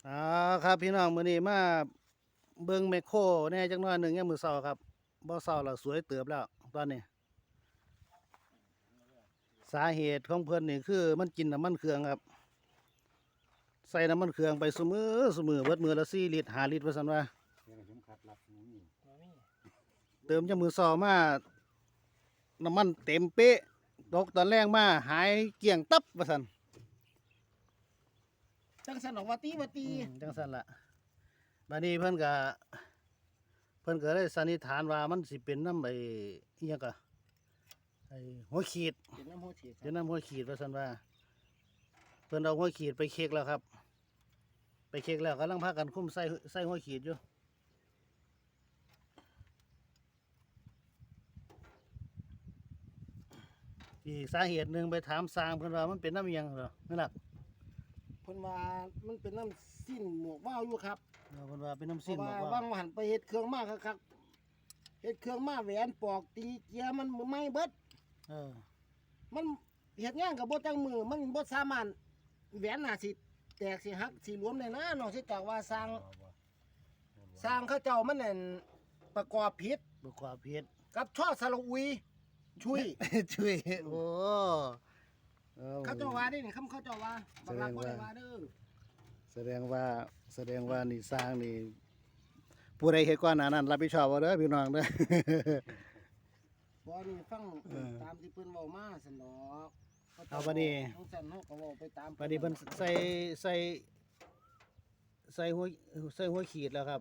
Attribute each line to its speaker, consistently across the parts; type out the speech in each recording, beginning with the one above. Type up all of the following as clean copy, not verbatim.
Speaker 1: อ่าครับพี่น้องมื้อนี้มาเบิ่งแมคโครแหน่จักหน่อยหนึงยามมื้อเช้าครับบ่เช้าแล้วสวยเติบแล้วตอนนี้สาเหตุของเพิ่นนี่คือมันกินน้ำมันเครื่องครับใส่น้ำมันเครื่องไปซุมื้อเบิดมื้อละ4ลิตร5ลิตรว่าซั่นว่าเติมยามมื้อเช้ามาน้ำมันเต็มเป๊ะตกตอนแรกมาหายเกลี้ยงตับว่าซั่น
Speaker 2: จังสันออกว่าตี
Speaker 1: จังซั่นล่ะบัดนี้เพิ่นก็เลยสันนิษฐานว่ามันสิเป็นน้ำอิหยังก็ไอ้หัวขีด
Speaker 2: เป็นน้ำโหดเฉียด
Speaker 1: เป็นน้ำหัวขีดว่าซั่นว่าเพิ่นเอาหัวขีดไปเช็คแล้วครับไปเช็คแล้วกำลังพากันคุมใส่หัวขีดอยู่อีกสาเหตุหนึ่งไปถามสร้างเพิ่นว่ามันเป็นน้ำอิหยังเหรอนั่นล่ะ
Speaker 2: เพิ่นว่ามันเป็นน้ำสิ้นหมวกว่าวอยู่ครับ
Speaker 1: เพิ่นว่าเป็นน้ำ
Speaker 2: เพ
Speaker 1: สิ้น
Speaker 2: ราะ
Speaker 1: บอก
Speaker 2: ว่า
Speaker 1: ว่า
Speaker 2: ว่างหันไปเฮ็ดเครื่องมาครับเฮ็ดเครื่องมาแหวนปอกตีเกียร์มันไม่เบิด
Speaker 1: เออ
Speaker 2: มันเฮ็ดงานกับบ่จังมือมันบ่สามารถแหวนน่าสิแตกสิหักสิหลวมได้นะนอกจากว่าสร้างเขาเจ้ามันนั่นประกอบผิด
Speaker 1: บ่กว่าเพชร
Speaker 2: กับช่อสระอุยชุย
Speaker 1: ช่วยโอ้ออ
Speaker 2: เขาเจ้าว่านี่เขาเจ้าว่าบักหลักบ่ได้ว่าเด้อ
Speaker 1: แสดงว่านี่สร้างนี่ผู้ใดเฮ็ดก่อนหน้านั้นรับผิดชอบเอาเด้อพี่น้องเด้อ
Speaker 2: บ่นี่ฟัง
Speaker 1: เออ
Speaker 2: ตามที่เพิ่นเว้ามาซั่นดอก
Speaker 1: เอาบัดนี้
Speaker 2: จังซั่นเฮาก็เว้าไปตาม
Speaker 1: บัดนี้เพิ่นใส่หัวขีดแล้วครับ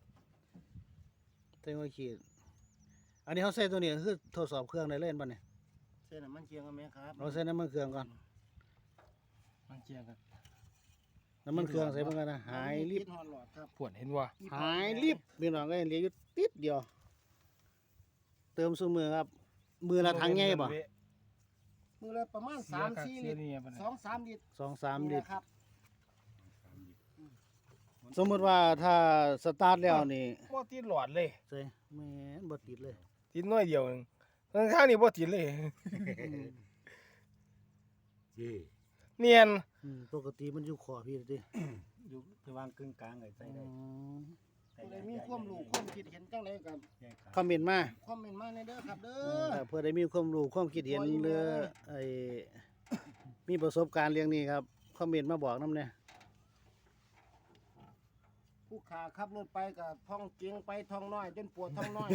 Speaker 1: ใส่หัวขีดอันนี้เขาใส่ตัวนี้คือทดสอบเครื่องได้เล่นป่ะเนี่ย
Speaker 2: เส้นน้ำมันเคียงกันไหมครับ
Speaker 1: เราใส่น้ำมันเครื่องก่อน
Speaker 2: มันเคียงกัน
Speaker 1: น้ำมันเครื่องใส่เพิ่นกันนะหายรีบ
Speaker 2: ฮอดหลอดครับ
Speaker 3: ผวนเห็นว่า
Speaker 1: หายรีบพี่น้องก็เหลืออยู่ติดเดียว เติมซุมือครับ มือละถังใหญ่ป่ะ
Speaker 2: มือละประมาณ3-4 ลิตร2-3 ลิตร
Speaker 1: 2-3 ลิตร
Speaker 2: ครับ
Speaker 1: สมมติว่าถ้าสตาร์ทแล้วนี่
Speaker 3: บ่ติดหลอดเลย
Speaker 1: ใส่แม่นบ่ติดเลย
Speaker 3: ติดน้อยเดียวนึงข้างๆนี่บ่ติดเลย เนียน
Speaker 1: ปกติมันอยู่ขอพี่ดิ
Speaker 4: อยู่ระหว่างกึ่งกลางไอ้ใส่ได้
Speaker 2: ผู้ใดมีความรู้ความคิดเห็นจังไดก็
Speaker 4: แยกขา
Speaker 1: คอมเมนต์มา
Speaker 2: คอมเมนต์มาในเด้อครับเด้
Speaker 1: เพื่อได้มีความรู้ความคิดเห็นเรื่องไอ้มีประสบการณ์เรื่องนี้ครับคอมเมนต์มาบอกนำเนี่ย
Speaker 2: ผู้ขาขับรถไปก็ท่องเจียงไปท่องน้อยจนปวดท่องน้อย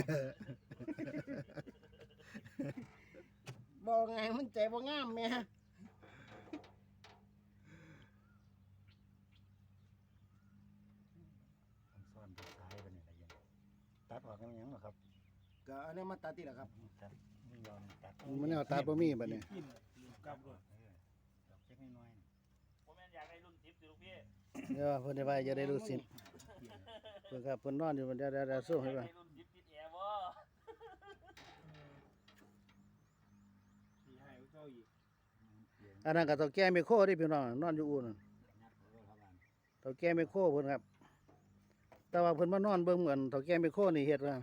Speaker 2: บ่ไงมันใจบ่งามแม่
Speaker 4: ซ่อนท้ายไปเนี่ยอะไรอย่างตัดออกกันยังหรอครับ
Speaker 2: ก็อันนี้มาตัดติล่ะครับ
Speaker 4: ตัดไม่ยอมตัด
Speaker 1: มันเอาตัดบ่มีบัดนี้
Speaker 3: กลับรถ
Speaker 4: ดอกเล็กน้อย
Speaker 5: ผมแม่นอยากได้รุ่น10สิลูกพี่
Speaker 1: เดี๋ยวเพิ่นได้ว่าจะได้รู้สิเพิ่นครับเพิ่นนอนอยู่เดี๋ยวสู้ให้
Speaker 5: อยาก
Speaker 1: ว่า
Speaker 5: ได้รุ่น10ติดแอร์บ่
Speaker 3: สีให้เจ้าอีก
Speaker 1: อันนั้นก็เฒ่าแก่ไมโครที่พี่น้องนอนอยู่อู่นั่น
Speaker 4: นัดหัวเขาบ้าน
Speaker 1: เฒ่าแก่ไมโครเพิ่นครับ แต่ว่าเพิ่นมานอนเบิ่งเหมือนเฒ่าแก่ไมโครนี่เฮ็ดว่า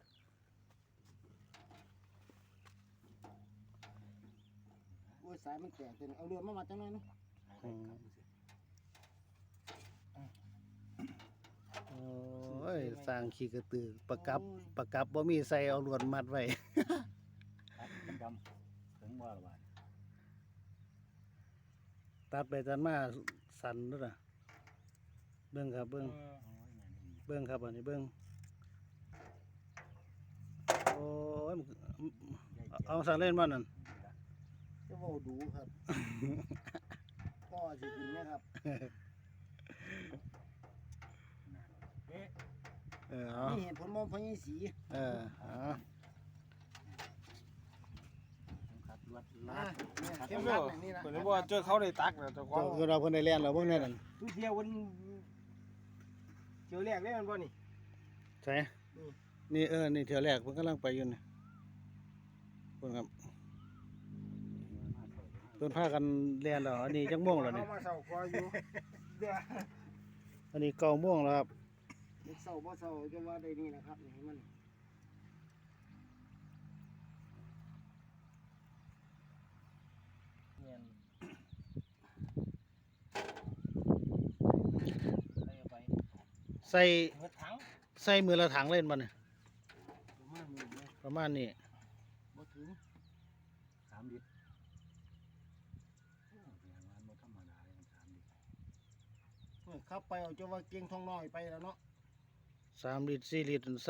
Speaker 2: โอ้ยสายมันแตกเต็มเอาเรือมาจังหน่อยเนาะ
Speaker 1: โอ้ยสร้างขี้กระตือประกับบ่มีใส่เอาลวดมัดไว้
Speaker 4: ตัดดำถึงว่าละบ้าน
Speaker 1: ตัดไปตัดมาสั่นเด้อน่ะเบิ่งครับเบิ่ง เบิ่งครับอันนี้เบิ่งโอ้ยมันเอาสั่งเล่นบ่นั่น
Speaker 2: จะเว้าดูครับ พ่อสิกินไหมครับ
Speaker 1: เอา
Speaker 2: นี่เห็นผลมองพญสี
Speaker 1: เอา
Speaker 4: ครับลวด
Speaker 2: มา
Speaker 4: ลาด
Speaker 2: เนี่ย
Speaker 3: เห็
Speaker 2: เข้
Speaker 3: น
Speaker 2: ม
Speaker 3: บ่
Speaker 2: ขัดอย่างนี้นะ
Speaker 3: เพิ่นบ่เจอเขาได้ตักแล้วเจ้าขอ
Speaker 1: เจ้าง คือเราเพิ่นได้เรียนแล้วเบิ่งแน่นั่น
Speaker 3: ทุเที่ยววันเที่ยวแรกได้มันบ่นี่
Speaker 1: ใช่นี่นี่เที่ยวแรกเพิ่นกำลังไปอยู่นี่เพิ่นครับเพิ่นพากันเรียนแล้วอันนี้จักโมงแล้วนี่
Speaker 3: เอามาเซาคออยู่เดี๋ยว
Speaker 1: อันนี้9โมงแล้วครับ
Speaker 2: เด็กเศร้าบ่เศร้าจะว่าได้นี่นะครับนี่ให้มัน
Speaker 3: เนียน
Speaker 5: ไอ้
Speaker 1: ใส่
Speaker 2: เบิดถัง
Speaker 1: ใส่มือละถังเล่นบ่เนี่ย
Speaker 2: ประมาณนี้เลย
Speaker 1: ประมาณนี้
Speaker 2: บ่ถึง
Speaker 4: 3 ลิตรโอ้เสียงมันบ่ธรรมดาเลยมัน3 ลิตร
Speaker 2: เฮ้ยขับไปเอาจะว่าเก่งทองน้อยไปแล้วเนาะ
Speaker 1: 3 ลิตร4 ลิตรใส่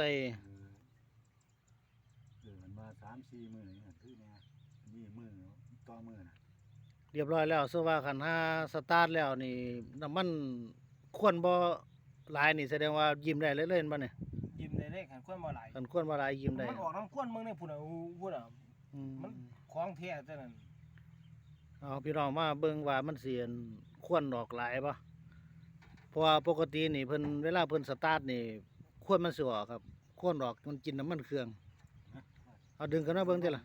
Speaker 4: มันมา3-4 มื้อนี่คือแน่มีมื้อต่อมื้อน่ะ
Speaker 1: เรียบร้อยแล้วซึ่งว่าคันหาสตาร์ทแล้วนี่น้ำมันควรบ่หลายนี่แสดงว่ายิ้มได้เลยเล่นบ่เนี่ย
Speaker 3: ยิ้มได้เลยขันข้นบ่หลาย
Speaker 1: คันควรบ่หลายยิ้มได้
Speaker 3: มันออกน้ำข้นมึงเนี่ยพุ่นอ่ะพุ่นอ่ะ
Speaker 1: อืม
Speaker 3: มันของแท้เท่านั้น
Speaker 1: เอาพี่น้องมาเบิ่งว่ามันสิอันควรออกหลายบ่เพราะว่าปกตินี่เพิ่นเวลาเพิ่นสตาร์ทนี่ควรมันสิออกครับควรออกมันกินน้ำมันเครื่องเอาดึงกันมาเบิ่งติล่ะ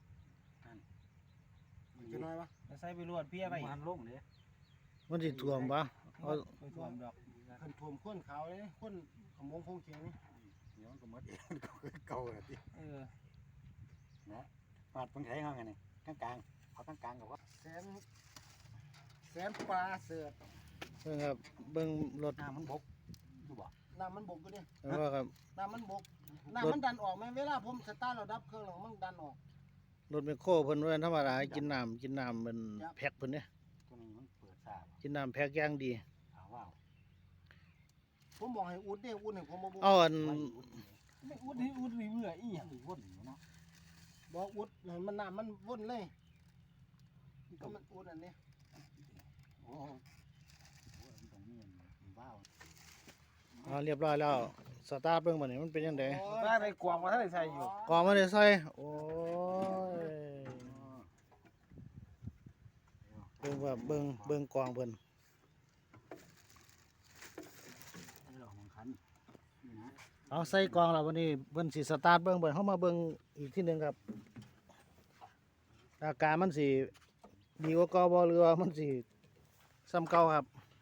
Speaker 2: จะน้อยวะ
Speaker 3: แล้วใส่ไปรวดเพี้ยไป
Speaker 4: มันลงเด้
Speaker 1: มันสิท่วมบ่เอา
Speaker 3: ไปท่วมดอก
Speaker 2: ขันท่วมข้นขาวเลยข้นขมงคงเขียงนี่
Speaker 4: เดี๋ยวมันก็หมดเองมันก็คือเก่าแล้วติ
Speaker 3: เออ
Speaker 4: นะมาดเพิ่นใช้เฮาไงนี่กลางๆเอากลางๆก็ว่า
Speaker 2: แสนปลาเสือด
Speaker 1: เบิ่งครับเบิ่งรถ
Speaker 4: น้ำมันบกอยู่บ่
Speaker 2: น้ำมันบกก็ดิ
Speaker 1: เห็นบ่ครับ
Speaker 2: น้ำมันบกน้ำมันดันออกไหมเวลาผมสตาร์ทเราดับเครื่องหลังมันดันออก
Speaker 1: รถแมคโครเพิ่นว่าธรรมดาให้กินน้ำมันแพ็คเพิ่นเด้
Speaker 4: ตัวนี้มันเปิดซ่าบ่
Speaker 1: กินน้ำแพ็คอย่างดี
Speaker 4: ถามว่า
Speaker 2: ผมบอกให้อุดเนี่ยอุดให้ผมบ่บอก
Speaker 1: เอาอัน
Speaker 4: ไว้อุ่น
Speaker 3: ไม่อุดนี่อุดนี่เมื่ออีหยัง
Speaker 4: วนอยู่เนาะ
Speaker 2: บอกอุดให้มันน้ำมันวนเลยก็มันอุดอันนี้
Speaker 4: โอ้มันต้องมีอันว้าว
Speaker 1: เอาเรียบร้อยแล้วสตาร์ทเบิ่งบัดนี้มันเป็นจังได๋
Speaker 3: บ้านในกวางมาท่านได้ใส่อยู่
Speaker 1: กองมาได้ใส่โอ้ยเบิ่งว่าเบิ่งกองเพิ่น
Speaker 4: ไอ้ดอกของคันนี่นะ
Speaker 1: เอาใส่กองแล้ววันนี้เพิ่นสิสตาร์ทเบิ่งเบิ่งเฮามาเบิ่งอีกทีหนึงครับอาการมันสิดีกว่าเก่าบ่หรือว่ามันสิซ้ำเก่าครับ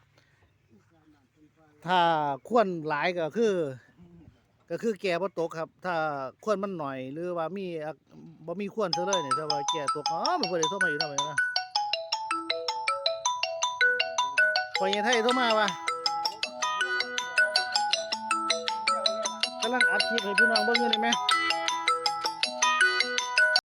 Speaker 1: ถ้าควรหลายก็คือแก่บ่ตกครับ ถ้าควรมันหน่อยหรือว่ามีบ่มีควรซะเลยนี่ถ้าว่าแก่ตกอ๋อมันบ่ได้โทรมาอยู่นำนะปอยไทยโทรมาว่ากำลังอัดคลิปให้พี่น้องเบิ่งอยู่นี่แหม